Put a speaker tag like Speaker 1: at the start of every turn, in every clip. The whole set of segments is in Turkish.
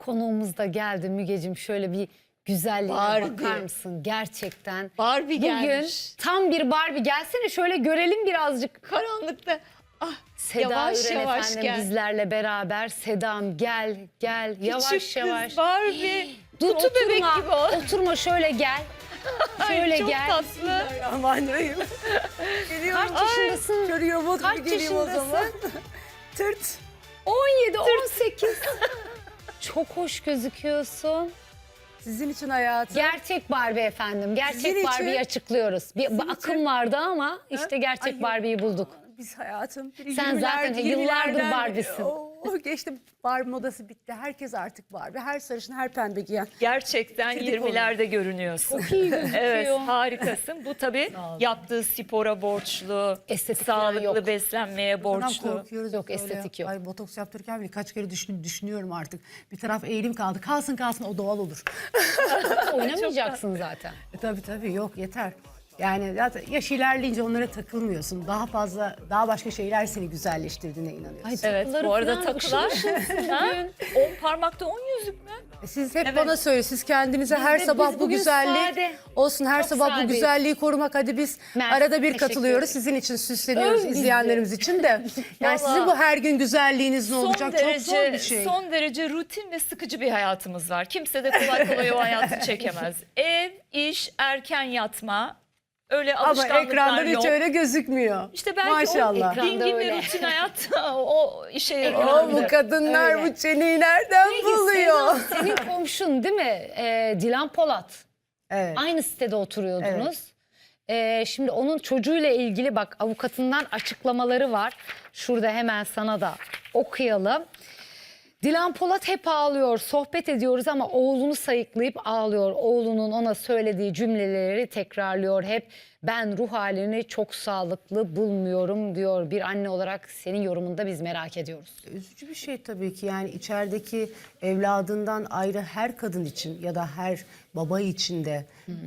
Speaker 1: konuğumuz da geldi Mügeciğim. Şöyle bir güzelliğine
Speaker 2: Barbie.
Speaker 1: bakar mısın? Gerçekten.
Speaker 2: Barbie
Speaker 1: Bugün
Speaker 2: gelmiş.
Speaker 1: tam bir Barbie. Gelsene şöyle görelim birazcık.
Speaker 2: Karanlıkta. Ah,
Speaker 1: Seda
Speaker 2: yavaş
Speaker 1: Üren
Speaker 2: yavaş
Speaker 1: efendim
Speaker 2: gel.
Speaker 1: bizlerle beraber. Sedam gel gel yavaş
Speaker 2: Küçük
Speaker 1: yavaş.
Speaker 2: kız Barbie.
Speaker 1: Dur
Speaker 2: Kutu bebek
Speaker 1: oturma.
Speaker 2: gibi o.
Speaker 1: Oturma şöyle gel. Şöyle
Speaker 2: Ay, çok
Speaker 1: gel.
Speaker 2: tatlı.
Speaker 3: Bismillahirrahmanirrahim. Geliyorum.
Speaker 1: Kaç yaşındasın?
Speaker 3: Şöyle robot
Speaker 1: Kaç
Speaker 3: gibi geleyim o
Speaker 1: yaşındasın?
Speaker 3: zaman. Tırt.
Speaker 1: 17, 18. Çok hoş gözüküyorsun.
Speaker 3: Sizin için hayatım.
Speaker 1: Gerçek Barbie efendim. Gerçek
Speaker 3: Sizin için.
Speaker 1: Barbie'yi açıklıyoruz. Bir
Speaker 3: Sizin
Speaker 1: akım
Speaker 3: için.
Speaker 1: vardı ama işte gerçek
Speaker 3: Ay,
Speaker 1: Barbie'yi bulduk.
Speaker 3: Biz hayatım.
Speaker 1: Sen zaten yıllardır Barbie'sin.
Speaker 3: Geçti. Barbie modası bitti. Herkes artık Barbie. Her sarışın, her pembe giyen.
Speaker 2: Gerçekten
Speaker 3: Çocuk
Speaker 2: 20'lerde görünüyorsun.
Speaker 1: Çok iyi gözüküyor.
Speaker 2: Evet, harikasın. Bu tabii yaptığı spora borçlu,
Speaker 1: Estetik falan
Speaker 2: sağlıklı
Speaker 1: yok.
Speaker 2: beslenmeye
Speaker 3: Ondan
Speaker 2: borçlu.
Speaker 3: korkuyoruz.
Speaker 1: Yok,
Speaker 3: böyle.
Speaker 1: estetik yok.
Speaker 3: Ay botoks yaptırırken bile kaç kere düşünüyorum artık. Bir taraf eğilim kaldı. Kalsın kalsın o doğal olur.
Speaker 1: Oynamayacaksın zaten.
Speaker 3: Tabii yok yeter. Yani zaten yaş ilerleyince onlara takılmıyorsun. Daha fazla, daha başka şeyler seni güzelleştirdiğine inanıyorsun.
Speaker 1: Ay,
Speaker 2: Evet,
Speaker 1: takıları
Speaker 2: bu arada
Speaker 1: falan
Speaker 2: takılar.
Speaker 1: ışıl ışılsın
Speaker 2: Ha?
Speaker 1: bugün.
Speaker 2: 10 parmakta 10 yüzük mü?
Speaker 3: Siz hep
Speaker 2: Evet.
Speaker 3: bana söyle, siz kendinize her
Speaker 1: de-
Speaker 3: sabah
Speaker 1: biz
Speaker 3: bu
Speaker 1: bugün
Speaker 3: güzellik
Speaker 1: sade.
Speaker 3: olsun, her
Speaker 1: Çok
Speaker 3: sabah bu
Speaker 1: sadeyiz.
Speaker 3: güzelliği korumak. Hadi biz
Speaker 1: Mersi,
Speaker 3: arada bir
Speaker 1: teşekkür
Speaker 3: katılıyoruz.
Speaker 1: ederim.
Speaker 3: Sizin için süsleniyoruz,
Speaker 1: Öv bizi.
Speaker 3: izleyenlerimiz için de. Yani sizin
Speaker 2: Vallahi
Speaker 3: bu her gün güzelliğiniz ne olacak? Çok zor bir şey.
Speaker 2: Son derece rutin ve sıkıcı bir hayatımız var. Kimse de kolay kolay o hayatı çekemez. Ev, iş, erken yatma. Öyle
Speaker 3: Ama
Speaker 2: alışkanlıklar
Speaker 3: ekrandan
Speaker 2: yok.
Speaker 3: hiç öyle gözükmüyor.
Speaker 2: İşte belki
Speaker 3: Maşallah.
Speaker 2: o dingin
Speaker 1: öyle.
Speaker 2: ve rutin hayat o işe yarıyor.
Speaker 3: O bu kadınlar
Speaker 1: Öyle.
Speaker 3: bu çeneyi nereden
Speaker 1: Peki
Speaker 3: buluyor?
Speaker 1: Seda, senin komşun değil mi? Dilan Polat.
Speaker 3: Evet.
Speaker 1: Aynı sitede oturuyordunuz. Şimdi onun çocuğuyla ilgili bak avukatından açıklamaları var. Şurada hemen sana da okuyalım. Dilan Polat hep ağlıyor, sohbet ediyoruz ama oğlunu sayıklayıp ağlıyor. Oğlunun ona söylediği cümleleri tekrarlıyor hep. Ben ruh halini çok sağlıklı bulmuyorum diyor. Bir anne olarak senin yorumunu da biz merak ediyoruz.
Speaker 3: Üzücü bir şey tabii ki, yani içerideki evladından ayrı her kadın için ya da her baba için de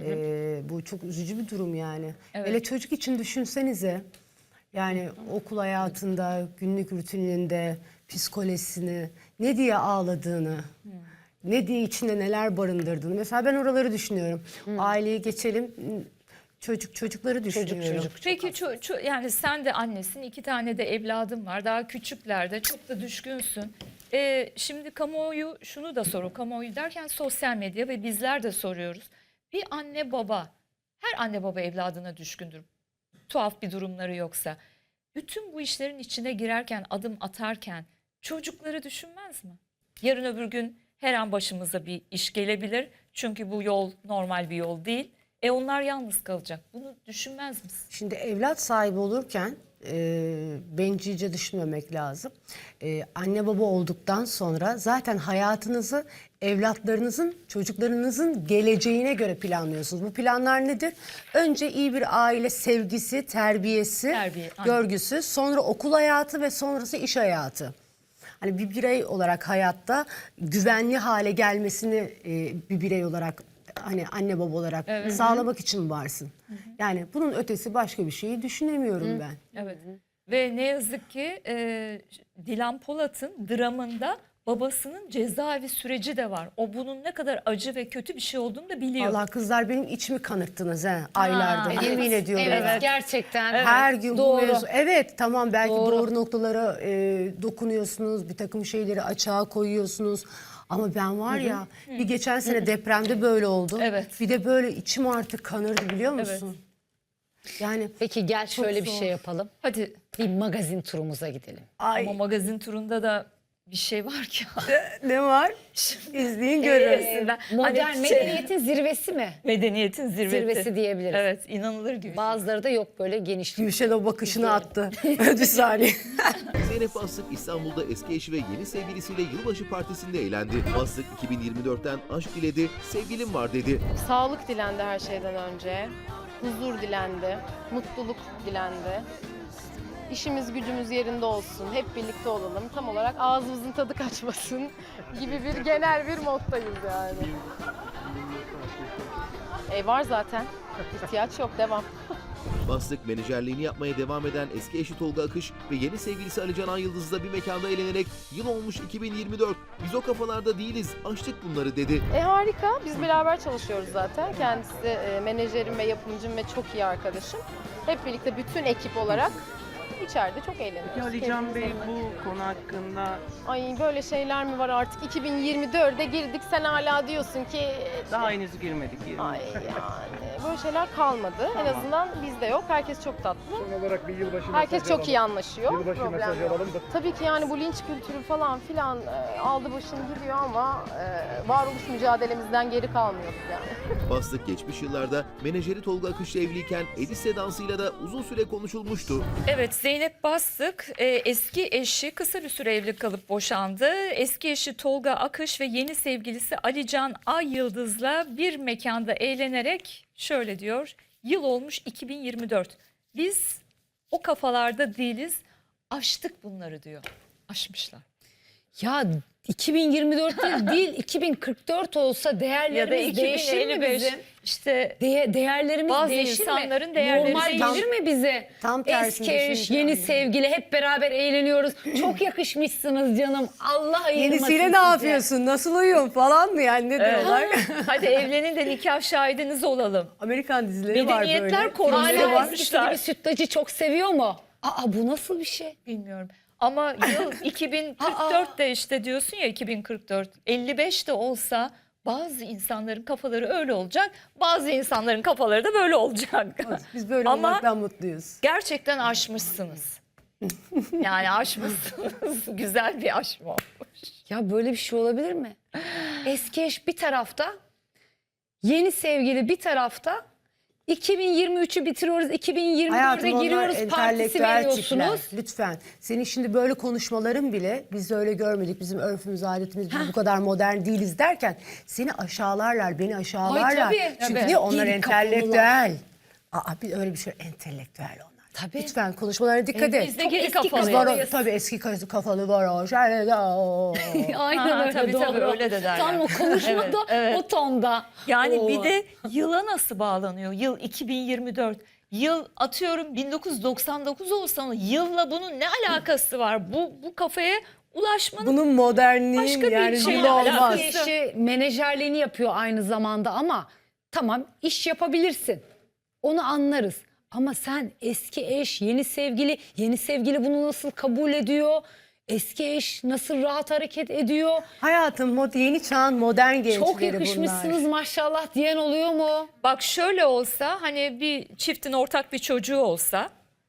Speaker 3: bu çok üzücü bir durum yani.
Speaker 2: Evet.
Speaker 3: Hele çocuk için düşünsenize, yani okul hayatında, günlük rutininde, psikolojisini, ne diye ağladığını, ne diye içinde neler barındırdığını. Mesela ben oraları düşünüyorum. Aileyi geçelim, çocukları düşünüyorum.
Speaker 2: Peki yani sen de annesin, 2 tane de evladın var. Daha küçüklerde çok da düşkünsün. Şimdi kamuoyu şunu da soruyor. Kamuoyu derken sosyal medya ve bizler de soruyoruz. Bir anne baba, her anne baba evladına düşkündür. Tuhaf bir durumları yoksa. Bütün bu işlerin içine girerken, adım atarken çocukları düşünmez mi? Yarın öbür gün her an başımıza bir iş gelebilir. Çünkü bu yol normal bir yol değil. Onlar yalnız kalacak. Bunu düşünmez misin?
Speaker 3: Şimdi evlat sahibi olurken bencilce düşünmemek lazım. Anne baba olduktan sonra zaten hayatınızı evlatlarınızın, çocuklarınızın geleceğine göre planlıyorsunuz. Bu planlar nedir? Önce iyi bir aile sevgisi, terbiyesi,
Speaker 2: Terbiye, aynen.
Speaker 3: görgüsü, sonra okul hayatı ve sonrası iş hayatı. Hani bir birey olarak hayatta güvenli hale gelmesini bir birey olarak, hani anne baba olarak sağlamak için varsın. Yani bunun ötesi başka bir şeyi düşünemiyorum ben.
Speaker 2: Evet. Ve ne yazık ki Dilan Polat'ın dramında babasının cezaevi süreci de var. O bunun ne kadar acı ve kötü bir şey olduğunu da biliyor.
Speaker 3: Allah kızlar, benim içimi kanırttınız aylarda.
Speaker 1: Evet,
Speaker 3: Yemin ediyorum.
Speaker 1: Evet, gerçekten.
Speaker 3: Her gün bu
Speaker 1: Doğru.
Speaker 3: mevzu. Evet tamam, belki
Speaker 1: Doğru.
Speaker 3: doğru noktalara dokunuyorsunuz. Bir takım şeyleri açığa koyuyorsunuz. Ama ben var ya, bir geçen sene depremde böyle oldu.
Speaker 2: Evet.
Speaker 3: Bir de böyle içim artık kanırdı, biliyor musun? Yani
Speaker 1: Peki gel şöyle bir
Speaker 3: zor.
Speaker 1: şey yapalım.
Speaker 2: Hadi
Speaker 1: Bir magazin turumuza gidelim.
Speaker 3: ay,
Speaker 2: ama magazin turunda da bir şey var ki.
Speaker 3: ne var? İzleyin görün.
Speaker 1: Modern
Speaker 2: Hani
Speaker 1: medeniyetin zirvesi mi?
Speaker 2: medeniyetin zirvesi.
Speaker 1: Zirvesi diyebiliriz.
Speaker 2: Evet, inanılır gibi.
Speaker 1: Bazıları da yok böyle geniş.
Speaker 3: Gülşen o bakışını attı. Bir saniye.
Speaker 4: Zeynep Bastık İstanbul'da eski eşi ve yeni sevgilisiyle yılbaşı partisinde eğlendi. Bastık 2024'ten aşk diledi, sevgilim var dedi.
Speaker 5: Sağlık dilendi her şeyden önce. Huzur dilendi. Mutluluk dilendi. İşimiz gücümüz yerinde olsun. Hep birlikte olalım. Tam olarak ağzımızın tadı kaçmasın gibi bir genel bir moddayız yani. Var zaten. İhtiyaç yok. Devam.
Speaker 4: Bastık menajerliğini yapmaya devam eden eski eşi Tolga Akış ve yeni sevgilisi Ali Can Ayıldız'la bir mekanda eğlenerek yıl olmuş 2024. Biz o kafalarda değiliz, açtık bunları dedi.
Speaker 5: Harika. Biz beraber çalışıyoruz zaten. Kendisi menajerim ve yapımcım ve çok iyi arkadaşım. Hep birlikte bütün ekip olarak içeride çok eğleniyoruz.
Speaker 6: Peki Ali Can Bey
Speaker 5: Kendimiz adına.
Speaker 6: bu konu hakkında
Speaker 5: Ay böyle şeyler mi var artık? 2024'e girdik, sen hala diyorsun ki...
Speaker 6: daha henüz girmedik.
Speaker 5: Ay yani böyle şeyler kalmadı. En azından bizde yok. Herkes çok tatlı.
Speaker 7: Son olarak bir yılbaşı
Speaker 5: Herkes
Speaker 7: mesajı
Speaker 5: çok
Speaker 7: alalım.
Speaker 5: iyi anlaşıyor.
Speaker 7: Yılbaşı
Speaker 5: Problem
Speaker 7: mesajı
Speaker 5: yok.
Speaker 7: alalım da.
Speaker 5: Tabii ki yani bu linç kültürü falan filan aldı başını gidiyor ama varoluş mücadelemizden geri kalmıyoruz yani.
Speaker 4: Bastık geçmiş yıllarda menajeri Tolga Akış'la evliyken Edis dansıyla da uzun süre konuşulmuştu.
Speaker 2: Evet, Zeynep Bastık eski eşi kısa bir süre evli kalıp boşandı. Eski eşi Tolga Akış ve yeni sevgilisi Ali Can Ayıldız'la bir mekanda eğlenerek şöyle diyor. Yıl olmuş 2024. Biz o kafalarda değiliz. Aştık bunları diyor. Aşmışlar.
Speaker 1: Ya 2024 değil 2044 olsa
Speaker 2: Ya da
Speaker 1: değerlerimiz değişir mi
Speaker 2: 2055
Speaker 1: bizim?
Speaker 2: işte
Speaker 1: Değerlerimiz
Speaker 2: Bazı
Speaker 1: değişir mi?
Speaker 2: insanların değerleri
Speaker 1: Normal
Speaker 2: değişir.
Speaker 1: gelir mi bize?
Speaker 3: Tam tersini
Speaker 1: Eski eş,
Speaker 3: düşüneceğim.
Speaker 1: yeni sevgili hep beraber eğleniyoruz. Çok yakışmışsınız canım. Allah ayırmasın
Speaker 3: Yenisiyle
Speaker 1: sizi.
Speaker 3: ne yapıyorsun? Nasıl uyuyorsun falan mı yani ne diyorlar?
Speaker 2: hadi evlenin de nikah şahidiniz olalım.
Speaker 3: Amerikan dizileri var böyle.
Speaker 2: Medeniyetler korumaya
Speaker 3: Filmleri
Speaker 1: Hala eskisi
Speaker 2: varmışlar.
Speaker 1: gibi sütlacı çok seviyor mu? Aa bu nasıl bir şey?
Speaker 2: Bilmiyorum. Ama yıl 2044'te işte diyorsun ya 2044. 55 de olsa bazı insanların kafaları öyle olacak. Bazı insanların kafaları da böyle olacak.
Speaker 3: Biz böyle
Speaker 2: Ama-
Speaker 3: olmaktan mutluyuz.
Speaker 2: Gerçekten aşmışsınız. Yani aşmışsınız. Güzel bir aşma olmuş.
Speaker 1: Ya böyle bir şey olabilir mi? Eski eş bir tarafta, yeni sevgili bir tarafta. 2023'ü bitiriyoruz, 2024'e
Speaker 3: Hayatım onlar
Speaker 1: giriyoruz, partisi
Speaker 3: entelektüel tipler.
Speaker 1: veriyorsunuz.
Speaker 3: Lütfen. Senin şimdi böyle konuşmaların bile biz de öyle görmedik. Bizim örfümüz, adetimiz biz bu kadar modern değiliz derken seni aşağılarlar, beni aşağılarlar.
Speaker 1: tabii,
Speaker 3: Çünkü
Speaker 1: tabii.
Speaker 3: niye? Onlar
Speaker 1: Geri
Speaker 3: entelektüel. Aa bir öyle bir şey entelektüel onlar.
Speaker 1: Tabii.
Speaker 3: Lütfen konuşmalarına dikkat et.
Speaker 2: Biz de
Speaker 1: Çok
Speaker 2: geri
Speaker 1: eski
Speaker 3: Kız
Speaker 2: kafalıyız.
Speaker 3: var o, tabii eski kafalı var o. Şöyle o.
Speaker 1: Aynen
Speaker 2: Ha,
Speaker 1: öyle
Speaker 2: tabii,
Speaker 1: doğru.
Speaker 2: tabii, öyle de derler.
Speaker 1: Tam o konuşmada
Speaker 2: Evet, evet.
Speaker 1: o tonda.
Speaker 2: Yani
Speaker 1: Oo.
Speaker 2: bir de yıla nasıl bağlanıyor? Yıl 2024. Yıl atıyorum 1999 olsa yılla bunun ne alakası var? Bu kafaya ulaşmanın
Speaker 3: Bunun modernliğin
Speaker 2: Başka bir
Speaker 3: yani
Speaker 2: şey
Speaker 3: dili
Speaker 2: alakası
Speaker 3: olmaz.
Speaker 1: Eşi menajerliğini yapıyor aynı zamanda ama tamam iş yapabilirsin. Onu anlarız. Ama sen eski eş, yeni sevgili bunu nasıl kabul ediyor? Eski eş nasıl rahat hareket ediyor?
Speaker 3: Hayatım yeni çağın modern gençleri
Speaker 1: Çok yakışmışsınız
Speaker 3: bunlar.
Speaker 1: maşallah diyen oluyor mu?
Speaker 2: bak şöyle olsa hani bir çiftin ortak bir çocuğu olsa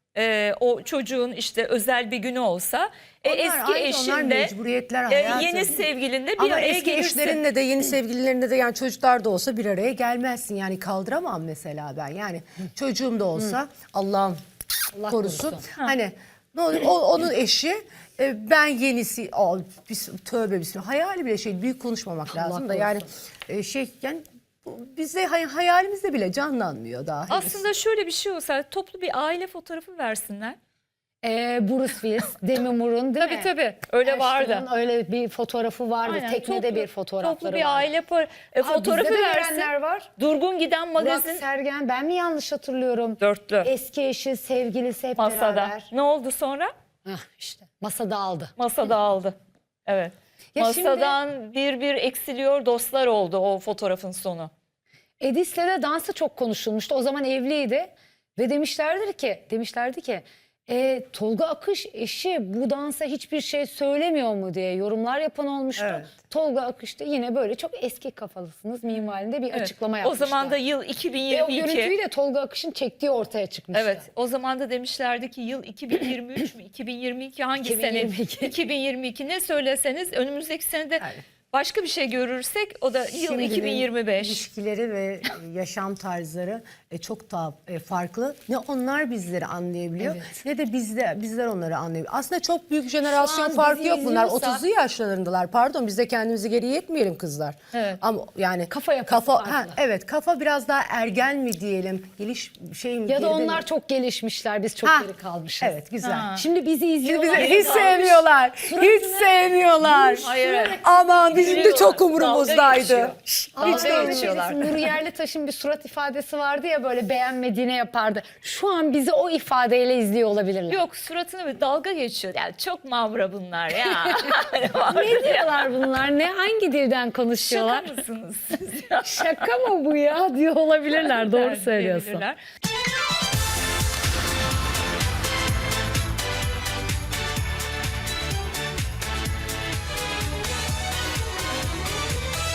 Speaker 2: o çocuğun işte özel bir günü olsa
Speaker 3: Onlar
Speaker 2: eski
Speaker 3: ayrı, onlar
Speaker 2: eşinde
Speaker 3: mecburiyetler hayatım.
Speaker 2: yeni sevgilinde bir
Speaker 3: Ama
Speaker 2: araya
Speaker 3: eski
Speaker 2: gelirsin.
Speaker 3: eşlerinle de yeni sevgililerine de yani çocuklar da olsa bir araya gelmezsin. Yani kaldıramam mesela ben. Yani çocuğum da olsa Allah'ım
Speaker 1: Allah
Speaker 3: korusun.
Speaker 1: korusun.
Speaker 3: Hani ne olur onun eşi ben yenisi tövbe bismillah hayali bile şey büyük konuşmamak lazım da yani yani bizde hayalimizde bile canlanmıyor daha. henüz.
Speaker 2: Aslında şöyle bir şey olsa toplu bir aile fotoğrafı versinler.
Speaker 1: Bruce Willis, Demi Moore'un değil mi?
Speaker 2: Tabii öyle vardı.
Speaker 1: Ashton'un öyle bir fotoğrafı vardı.
Speaker 2: Aynen,
Speaker 1: Teknede
Speaker 2: toplu-
Speaker 1: bir fotoğrafları
Speaker 2: Toplu bir
Speaker 1: vardı.
Speaker 2: aile fotoğrafı
Speaker 1: bizde de
Speaker 2: versin.
Speaker 1: verenler var.
Speaker 2: Durgun giden
Speaker 1: Burak
Speaker 2: magazin
Speaker 1: Sergen, ben mi yanlış hatırlıyorum?
Speaker 2: dörtlü
Speaker 1: Eski eşi, sevgilisi hep
Speaker 2: masada.
Speaker 1: beraber.
Speaker 2: Ne oldu sonra?
Speaker 1: İşte masada aldı.
Speaker 2: Masada aldı. Evet.
Speaker 1: Ya
Speaker 2: Masadan bir eksiliyor dostlar oldu o fotoğrafın sonu.
Speaker 1: Edis'le de dansı çok konuşulmuştu. O zaman evliydi ve demişlerdi ki Tolga Akış eşi bu dansa hiçbir şey söylemiyor mu diye yorumlar yapan olmuştu.
Speaker 3: Evet.
Speaker 1: Tolga Akış da yine böyle çok eski kafalısınız minvalinde bir
Speaker 2: Evet.
Speaker 1: açıklama
Speaker 2: O
Speaker 1: yapmışlar.
Speaker 2: zaman da yıl
Speaker 1: Ve o
Speaker 2: 2022.
Speaker 1: görüntüyü de Tolga Akış'ın çektiği ortaya çıkmıştı.
Speaker 2: Evet, o zaman da demişlerdi ki yıl 2023 mü 2022 hangi
Speaker 1: 2022.
Speaker 2: sene? 2022 ne söyleseniz önümüzdeki senede
Speaker 3: Evet.
Speaker 2: başka bir şey görürsek o da yıl
Speaker 3: Şimdinin
Speaker 2: 2025.
Speaker 3: İlişkileri ve yaşam tarzları çok daha farklı. Ne onlar bizleri anlayabiliyor
Speaker 1: Evet.
Speaker 3: ne de bizler onları anlayabiliyor. Aslında çok büyük jenerasyon
Speaker 1: an
Speaker 3: farkı
Speaker 1: bizi
Speaker 3: yok bunlar.
Speaker 1: izliyorsa-
Speaker 3: 30'lu yaşlarındalar. Pardon biz de kendimizi geriye etmeyelim kızlar.
Speaker 2: Evet.
Speaker 3: Ama yani
Speaker 1: Kafa yapısı farklı.
Speaker 3: evet kafa biraz daha ergen mi diyelim? Şey mi?
Speaker 1: Ya da
Speaker 3: geride mi?
Speaker 1: onlar çok gelişmişler, biz çok
Speaker 3: Ha,
Speaker 1: geri kalmışız.
Speaker 3: Evet güzel.
Speaker 2: Ha.
Speaker 1: Şimdi bizi
Speaker 3: Şimdi
Speaker 1: izliyorlar.
Speaker 3: bizi hiç sevmiyorlar. Hiç sevmiyorlar.
Speaker 2: Hayır, evet.
Speaker 3: Aman bizim de
Speaker 2: Gülüyorlar,
Speaker 3: çok
Speaker 2: dalga
Speaker 3: umurumuzdaydı.
Speaker 2: geçiyor.
Speaker 3: Hiç
Speaker 2: Dalga
Speaker 3: de
Speaker 1: Dalga
Speaker 2: geçiyorlar.
Speaker 1: Nuri Yerlitaş'ın bir surat ifadesi vardı ya, böyle beğenmediğine yapardı. Şu an bizi o ifadeyle izliyor olabilirler.
Speaker 2: Yok, suratını bir dalga geçiyor. Yani çok mavra bunlar ya.
Speaker 1: Ne diyorlar bunlar? Ne, hangi dilden konuşuyorlar?
Speaker 2: Şaka mısınız siz?
Speaker 1: Şaka mı bu ya diyor olabilirler. Doğru söylüyorsun.
Speaker 2: Diyebilirler.